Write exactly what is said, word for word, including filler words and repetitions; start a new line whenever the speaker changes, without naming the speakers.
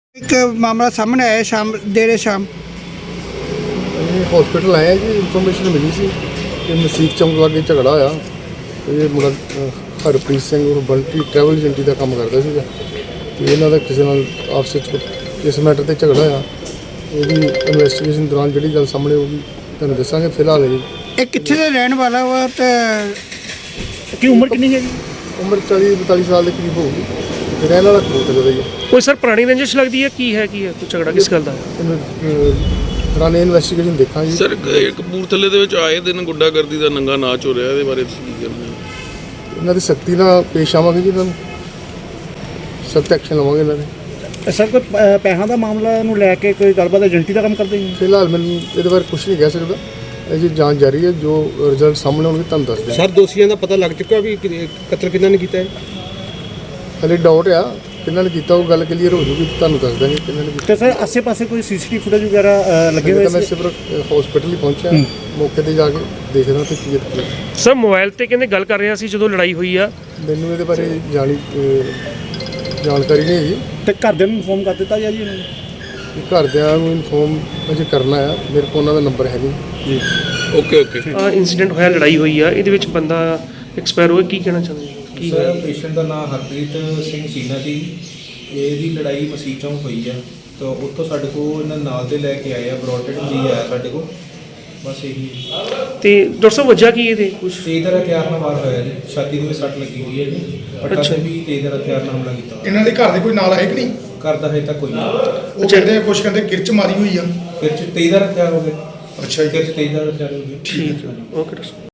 एक मामला सामने आया शाम देर शाम
हॉस्पिटल आए जी इन्फॉर्मेशन मिली सी कि मसीत चौंक लागे झगड़ा होया ये मुंडा हरप्रीत सिंह और बंटी ट्रैवल एजेंटी का काम करता सीगा ते इन्हां दा किसी नाल आपस विच इस मैटर ते झगड़ा होया ਉਹਦੀ ਇਨਵੈਸਟੀਗੇਸ਼ਨ ਦੌਰਾਨ ਜਿਹੜੀ ਗੱਲ ਸਾਹਮਣੇ ਆਊਗੀ ਤੁਹਾਨੂੰ ਦੱਸਾਂਗੇ। ਫਿਲਹਾਲ ਜੀ
ਇਹ ਕਿੱਥੇ ਦਾ ਰਹਿਣ ਵਾਲਾ ਵਾ ਤੇ
ਕੀ ਉਮਰ ਕਿੰਨੀ ਹੈ ਜੀ?
ਉਮਰ ਚਾਲੀ ਬਤਾਲੀ ਸਾਲ ਦੇ ਕਰੀਬ ਹੋਊਗੀ ਤੇ ਰਹਿਣ ਵਾਲਾ ਕਬੂਤਰ ਦਾ ਹੀ ਹੈ।
ਕੋਈ ਸਰ ਪੁਰਾਣੀ ਰੰਜਿਸ਼ ਲੱਗਦੀ ਹੈ ਕੀ ਹੈ ਕੀ ਹੈ ਕੋਈ ਝਗੜਾ ਕਿਸ ਗੱਲ ਦਾ ਹੈ?
ਇਹਨੂੰ ਦੌਰਾਨ ਇਨਵੈਸਟੀਗੇਸ਼ਨ ਦੇਖਾਂਗੇ।
ਸਰ ਇਹ ਕਪੂਰਥਲੇ ਦੇ ਵਿੱਚ ਆਏ ਦਿਨ ਗੁੰਡਾਗਰਦੀ ਦਾ ਨੰਗਾ ਨਾਚ ਹੋ ਰਿਹਾ, ਇਹਦੇ ਬਾਰੇ ਤੁਸੀਂ ਕੀ ਕਹਿੰਦੇ ਹੋ?
ਇਹਨਾਂ ਦੀ ਸਖਤੀ ਨਾਲ ਪੇਸ਼ ਆਵਾਂਗੇ ਜੀ, ਇਹਨਾਂ ਨੂੰ ਸਖਤ ਐਕਸ਼ਨ ਲਵਾਂਗੇ ਇਹਨਾਂ ਦੇ।
ਸਰ ਕੋਈ ਪੈਸਿਆਂ ਦਾ ਮਾਮਲਾ ਨੂੰ ਲੈ ਕੇ ਕੋਈ ਗੱਲਬਾਤ ਏਜੰਟੀ ਦਾ ਕੰਮ ਕਰਦੇ ਜੀ?
ਫਿਲਹਾਲ ਮੈਨੂੰ ਇਹਦੇ ਬਾਰੇ ਕੁਝ ਨਹੀਂ ਕਹਿ ਸਕਦਾ, ਅਜੇ ਜਾਂਚ ਜਾਰੀ ਹੈ। ਜੋ ਰਿਜ਼ਲਟ ਸਾਹਮਣੇ ਆਉਣਗੇ ਤੁਹਾਨੂੰ ਦੱਸ ਦਿਆਂਗੇ।
ਸਰ ਦੋਸ਼ੀਆਂ ਦਾ ਪਤਾ ਲੱਗ ਚੁੱਕਾ ਵੀ ਕਿ- ਕਤਲ ਕਿਹਨਾਂ ਨੇ ਕੀਤਾ ਹੈ?
ਹਲੇ ਡਾਊਟ ਆ ਕਿਹਨਾਂ ਨੇ ਕੀਤਾ, ਉਹ ਗੱਲ ਕਲੀਅਰ ਹੋ ਜੂਗੀ, ਤੁਹਾਨੂੰ ਦੱਸ ਦਾਂਗੇ ਕਿਹਨਾਂ ਨੇ ਕੀਤਾ।
ਤੇ ਸਰ ਆਸੇ-ਪਾਸੇ ਕੋਈ ਸੀਸੀਟੀਵੀ ਫੁਟੇਜ ਵਗੈਰਾ ਅ, ਲੱਗੇ ਹੋਏ
ਮੈਂ
ਸੀ?
ਸਿਰਫ ਹਸਪੀਟਲ ਹੀ ਪਹੁੰਚਿਆ, ਮੌਕੇ ਤੇ ਜਾ ਕੇ ਦੇਖਦਾ ਤੇ ਕੀ ਹੈ।
ਸਰ ਮੋਬਾਈਲ ਤੇ ਕਹਿੰਦੇ ਗੱਲ ਕਰ ਰਿਹਾ ਸੀ ਜਦੋਂ ਲੜਾਈ ਹੋਈ ਆ।
ਮੈਨੂੰ ਇਹਦੇ ਬਾਰੇ ਜਾਣੀ ਅਹ, ਜਾਣਕਾਰੀ ਨਹੀਂ ਹੈਗੀ।
ਤੇ ਘਰਦਿਆਂ ਨੂੰ ਇਨਫੋਰਮ ਕਰ ਦਿੱਤਾ ਗਿਆ ਜੀ ਇਹਨਾਂ ਨੇ?
ਕਿ ਘਰਦਿਆਂ ਨੂੰ ਇਨਫੋਰਮ ਅਜੇ ਕਰਨਾ ਆ, ਮੇਰੇ ਕੋਲ ਉਹਨਾਂ ਦਾ ਨੰਬਰ ਹੈ ਨਹੀਂ ਜੀ।
ਓਕੇ ਓਕੇ
ਇਨਸੀਡੈਂਟ ਹੋਇਆ, ਲੜਾਈ ਹੋਈ ਆ, ਇਹਦੇ ਵਿੱਚ ਬੰਦਾ ਐਕਸਪਾਇਰ ਹੋਇਆ, ਕੀ ਕਹਿਣਾ ਚਾਹੁੰਦੇ ਜੀ? ਕੀ
ਸਰ ਪੇਸ਼ੈਂਟ ਦਾ ਨਾਮ ਹਰਪ੍ਰੀਤ ਸਿੰਘ ਸ਼ੀਨਾ ਸੀ। ਇਹਦੀ ਲੜਾਈ ਮਸੀਤ ਚੌਂਕ ਹੋਈ ਆ, ਤਾਂ ਉੱਥੋਂ ਸਾਡੇ ਕੋਲ ਇਹਨਾਂ ਨਾਲ ਦੇ ਲੈ ਕੇ ਆਏ ਆ, ਬਰੋਟਡ ਜੀ ਆਇਆ ਸਾਡੇ ਕੋਲ, ਬਸ ਇਹੀ।
ਤੇ ਡਾਕਟਰ ਸਾਹਿਬ ਵਜ੍ਹਾ ਕੀ ਇਹਦੇ ਕੁਝ?
ਤੇਜ਼ਰ ਹਥਿਆਰ ਨਾਲ ਵਾਰ ਹੋਇਆ ਜੀ, ਛਾਤੀ ਦੇ ਵਿੱਚ ਸੱਟ ਲੱਗੀ ਹੋਈ ਹੈ ਜੀ, ਪੱਟਾ
ਅੱਛਾ।
ਤੇ ਵੀ ਤੇਜ਼ਰ ਹਥਿਆਰ ਨਾਲ ਹਮਲਾ ਕੀਤਾ।
ਇਹਨਾਂ ਦੇ ਘਰ ਦੇ ਕੋਈ ਨਾਲ ਆਏ ਕਿ ਨਹੀਂ?
ਕਰਦਾ ਹੈ ਤਾਂ ਕੋਈ ਨਹੀਂ।
ਉਹ ਕਹਿੰਦੇ ਆ, ਕੁਛ ਕਹਿੰਦੇ ਕਿਰਚ ਮਾਰੀ ਹੋਈ ਆ।
ਫਿਰ ਚ ਤੇਜ਼ਰ ਹਥਿਆਰ ਹੋ ਗਏ।
ਅੱਛਾ ਜੀ।
ਫਿਰ ਚ ਤੇਜ਼ਰ ਹਥਿਆਰ ਹੋ ਗਏ।
ਠੀਕ ਹੈ।
ਓਕੇ ਡਾਕਟਰ ਸਾਹਿਬ।